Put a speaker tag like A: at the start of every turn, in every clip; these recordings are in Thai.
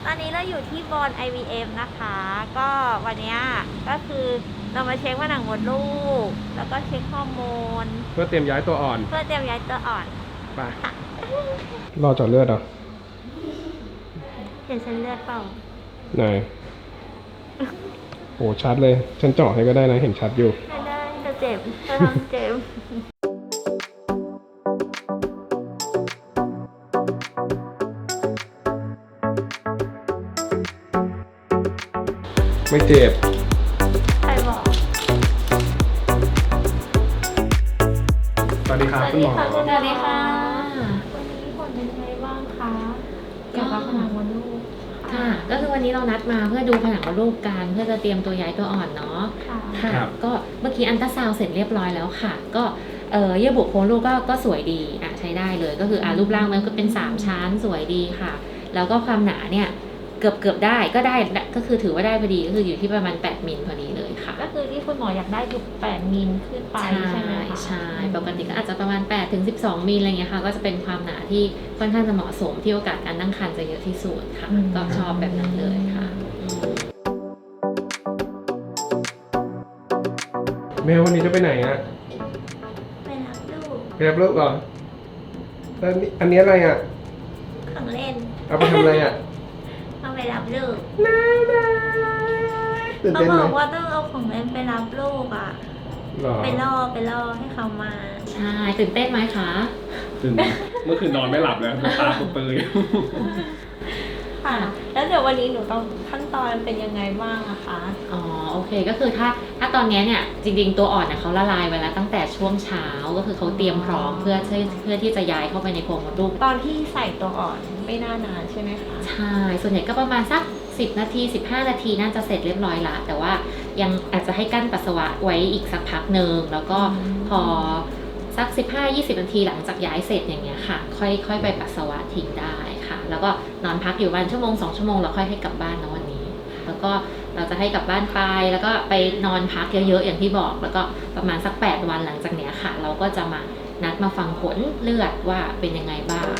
A: ตอนนี้เราอยู่ที่บอน IVF นะคะ ก็วันนี้ก็คือเรามาเช็คว่าหนังมดลูกแล้วก็เช็คฮอร์โมน
B: เพื่อเตรียมย้ายตัวอ่อน
A: เพื่อเตรียมย้ายตัวอ่อน
B: ไปรอเจาะเลือดเหรอ
A: เห็นเส้นเลือดเปล่า
B: ไหนโอ้ชัดเลยฉันเจาะให้ก็ได้นะเห็นชัดอยู่
A: ไม่ได้จะเจ็บจะทำเจ็บ
B: ไม่เจ็บ
A: ใครบอก
B: สวัสดีครับคุณหมอ
A: สวัสดีค่ะวันนี้ผลเป็นยังไงบ้างคะเกี่ยวกับผนังมดลูก
C: ค่ะก็คือวันนี้เรานัดมาเพื่อดูผนังมดลูกกันเพื่อจะเตรียมตัวย้ายตัวอ่อนเนาะค่ะก็เมื่อกี้อัลตราซาวด์เสร็จเรียบร้อยแล้วค่ะก็เยื่อบุโครงลูกก็สวยดีใช้ได้เลยก็คือรูปร่างมันก็เป็น3ชั้นสวยดีค่ะแล้วก็ความหนาเนี่ยเกือบได้ก็คือถือว่าได้พอดีก็คืออยู่ที่ประมาณ8มิลพอดีเลยค่ะ
A: ก็คือที่คุณหมออยากได้อยู่8มิลขึ้นไปใช่ไหม
C: ใช่ปกติก็อาจจะประมาณ8ถึง12มิลอะไรเงี้ยค่ะก็จะเป็นความหนาที่ค่อนข้างจะเหมาะสมที่โอกาสการตั้งครรภ์จะเยอะที่สุดค่ะก็ชอบแบบนั้นเลยค่ะ
B: แม่วันนี้จะไปไหนอะ
A: ไปรับลูก
B: ไปรับลูกเหรอแล้วอันนี้อะไรอะ
A: ของเล่น
B: เอาไปทำอะไรอะ
A: เอาไปรับลูก
B: น่ารักตื่น
A: เขา
B: เต้นไหม
A: บอกว่าต้องเอาของเล่นไปรับลูกอ่ะไปล่อให้เขามา
C: ใช่ตื่นเต้นไหมคะ
B: ตื่นเมื่อคืนนอนไม่หลับแล้วตาเปื่อย
A: ค่ะแล้วเดี๋ยววันนี้หนูต้องขั้นตอนเป็นยังไงบ้างอะคะ
C: อ๋อโอเคก็คือถ้าตอนนี้เนี่ยจริงๆตัวอ่อนเนี่ยเขาละลายไปแล้วตั้งแต่ช่วงเช้าก็คือเขาเตรียมพร้อมเพื่อที่จะย้ายเข้าไปในโพรงมดลูก
A: ตอนที่ใส่ตัวอ่อนไม่น่านานใช่ไหมคะ
C: ใช่ส่วนใหญ่ก็ประมาณสัก10นาที15นาทีน่าจะเสร็จเรียบร้อยละแต่ว่ายังอาจจะให้กั้นปัสสาวะไว้อีกสักพักหนึ่งแล้วก็พอสัก15-20นาทีหลังจากย้ายเสร็จอย่างเงี้ยค่ะค่อยไปปัสสาวะทิ้งได้ค่ะแล้วก็นอนพักอยู่วันชั่วโมง2ชั่วโมงแล้วค่อยให้กลับบ้านนะวันนี้แล้วก็เราจะให้กลับบ้านไปแล้วก็ไปนอนพักเยอะๆอย่างที่บอกแล้วก็ประมาณสัก8วันหลังจากเนี้ยค่ะเราก็จะมานัดมาฟังผลเลือดว่าเป็นยังไงบ้าง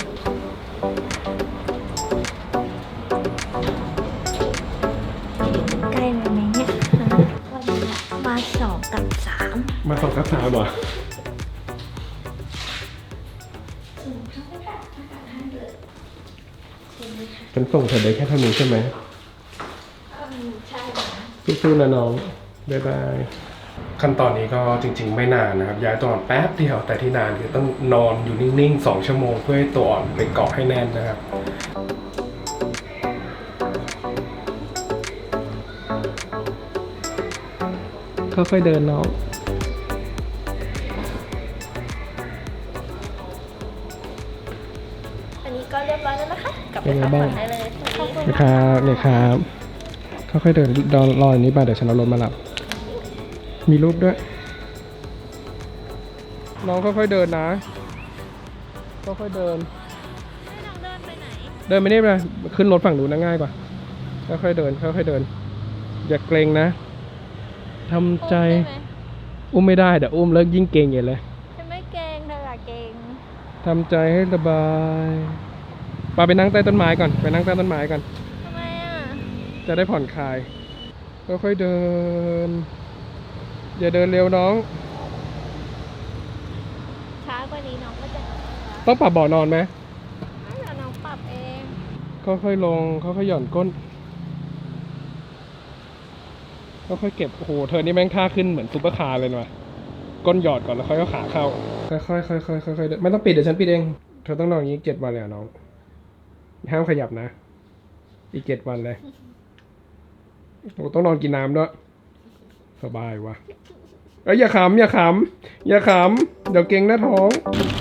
A: ใกล้ไหมเนี่ยวันนี้มา2 กับ 3
B: มา2 กับ 3เหรอฉันส่งเธอได้แค่เท่านี้ใช่ไหม
A: ใช่ค่ะ
B: สู้ๆนะน้องบ๊ายบายขั้นตอนนี้ก็จริงๆไม่นานนะครับย้ายตัวอ่อนแป๊บเดียวแต่ที่นานคือต้องนอนอยู่นิ่งๆ2 ชั่วโมงเพื่อให้ตัวอ่อนไปเกาะให้แน่นนะครับค่อยๆเดินน้อง
A: อันนี้ก็เรียบร้อยแล้วนะคะกลับไปพักผ่อนได้เลยขอบคุณ
B: นะครับเนี่ยครับค่อยๆเดินรออย่างนี้ไปเดี๋ยวฉันเอารถมารับมีรูปด้วยน้องค่อยๆเดินนะค่อยๆเดิน
A: น้องเดินไปไหน
B: เดินไปนี่เลยขึ้นรถฝั่งนู้นนะง่ายกว่าค่อยๆเดินค่อยๆเดินอย่าเกรงนะทำใจอุ้มไม่ได้เดี๋ยวอุ้มแล้วยิ่งเกรงอย่างเลย
A: ฉันไม่เกรงเธออะเกรง
B: ทำใจให้สบายไปนั่งใต้ต้นไม้ก่อนไปนั่งใต้ต้นไม้ก่อน
A: ทำไมอ่ะ
B: จะได้ผ่อนคลายค่อยๆเดินอย่าเดินเร็วน้อง
A: ช้ากว่านี้น้องก็จะ
B: ต้องปรับเบาะนอนไหม
A: ไม่เดี๋ยวน้องปรับเอง
B: ค่อยๆลงค่อยๆหย่อนก้นค่อยๆเก็บโอ้โหเธอนี่แม่งท่าขึ้นเหมือนซุปเปอร์คาร์เลยว่ะก้นหยอดก่อนแล้วค่อยเอาขาเข้าค่อยๆค่อยๆค่อยๆเดินไม่ต้องปิดเดี๋ยวฉันปิดเองเธอต้องนอนอย่างนี้7 วันเลยน้องห้ามขยับนะอีก7 วันเลยโอ้ต้องนอนกินน้ำด้วยสบายวะอย่าขำเดี๋ยวเกร็งหน้าท้อง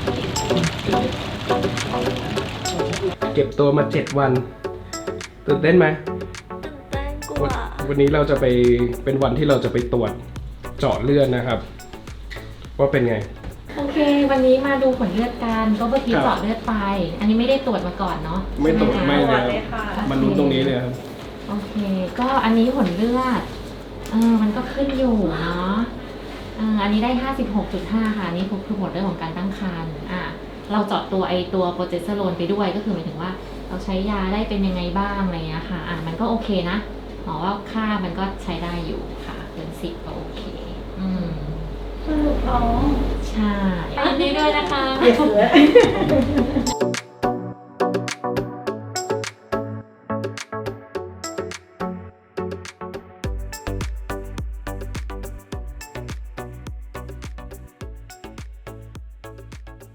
B: เก็บตัวมา7 วันตื่นเต้นไหม
A: ตื่นเต้นกลัว
B: วันนี้เราจะไปเป็นวันที่เราจะไปตรวจเจาะเลือดนะครับว่าเป็นไง
C: โอเควันนี้มาดูผลเลือดกันก็เมื่อกี้เจาะเลือดไปอันนี้ไม่ได้ตรวจมาก่อนเนาะ
B: ไม่ตรวจไม่เลยมันรู้ตรงนี้เลยครับ
C: โอเคก็อันนี้ผลเลือดมันก็ขึ้นอยู่เนาะอันนี้ได้ 56.5 ค่ะอันนี้คือผลเรื่องของการตั้งครรภ์เราเจาะตัวโปรเจสเตอโรนไปด้วยก็คือหมายถึงว่าเราใช้ยาได้เป็นยังไงบ้างอะไรเงี้ยค่ะมันก็โอเคนะหมอว่าค่ามันก็ใช้ได้อยู่ค่ะเกิน10ก็โอเค
A: สรุปท้อง
C: ใช่ยินดีด้วยนะคะ
A: เดี๋ยว